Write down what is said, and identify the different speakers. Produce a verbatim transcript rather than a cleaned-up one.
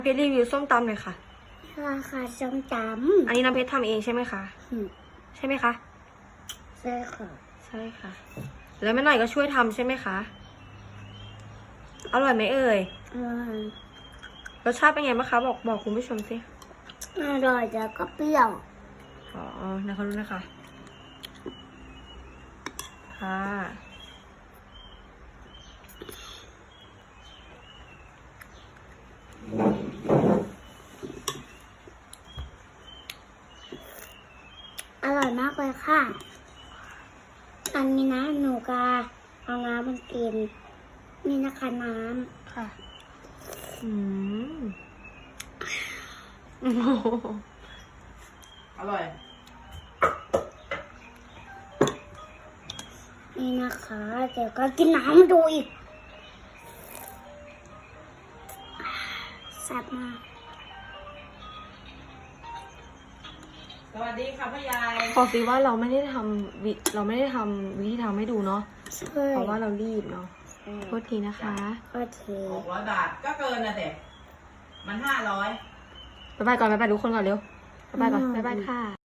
Speaker 1: เพชรรีวิวส้มตำหน่อยค่ะ
Speaker 2: ราคาส้มตำ
Speaker 1: อันนี้น้ำเพชรทำเองใช่ไหมคะใช่ไหมคะ
Speaker 2: ใช่ค่ะ
Speaker 1: ใช่ค่ะ แล้วแม่หน่อยก็ช่วยทำใช่ไหมคะอร่อยไหมเอ่ย
Speaker 2: อร่อย
Speaker 1: รสชาติเป็นไงบ้างคะบอกบอกคุณผู้ชมสิ
Speaker 2: อร่อยแล้วก็เปรี้ยว
Speaker 1: อ๋อนะคะรู้นะคะค่ะ
Speaker 2: อร่อยมากเลยค่ะอันนี้นะหนูกาเอาน้ำมันกินนี่นะคะน้
Speaker 1: ำค่ะอืม
Speaker 3: อร่อย
Speaker 2: นี่นะคะเดี๋ยวก็กินน้ำดูอีกแซ่บมาก
Speaker 3: สวัสดีค่ะพ่อยาย
Speaker 1: บอกสิว่าเราไม่ได้ทำวิเราไม่ได้ทำวิธีทำให้ดูเนาะเพราะว่าเรารีบเนาะโทษทีนะคะ
Speaker 2: โทษที
Speaker 3: หกร้อยบาทก็เกินนะเด็กมันห้าร้อย
Speaker 1: บ๊ายบายก่อนบ๊ายบายทุกคนก่อนเร็วบ๊ายบายก่อนบ๊ายบายค่ะ